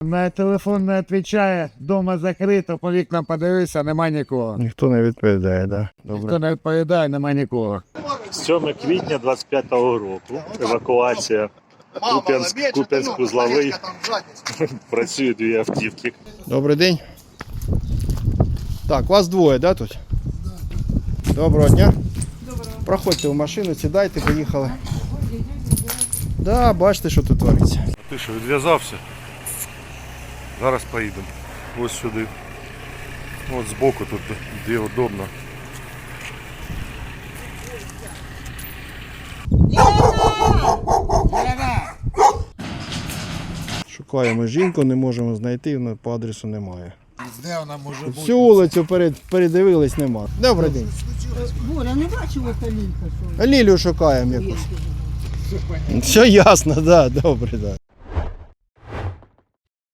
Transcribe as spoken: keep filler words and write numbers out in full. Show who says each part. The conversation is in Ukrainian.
Speaker 1: На телефон не відповідає, вдома закрито, по вікнам подивився, нема нікого.
Speaker 2: Ніхто не відповідає, так? Да?
Speaker 1: Ніхто не відповідає, нема нікого.
Speaker 3: сьоме квітня двадцять п'ятого року. Евакуація. Куп'янськ, Куп'янськ-Узловий. Працюють дві автівки.
Speaker 2: Добрий день. Так, вас двоє, да, тут? Доброго дня. Доброго. Проходьте в машину, сідайте, поїхали. Да, бачите, що тут твориться.
Speaker 4: Ти що, відв'язався? Зараз поїдемо. Ось сюди. От збоку тут, де удобно.
Speaker 2: Шукаємо жінку, не можемо знайти, вона по адресу немає.
Speaker 1: Де вона може бути?
Speaker 2: Всю вулицю перед, передивились, нема. Добрий день.
Speaker 5: Боря, не бачила Калінка, що
Speaker 2: Лілію шукаємо якусь. Все ясно, да, добре, да.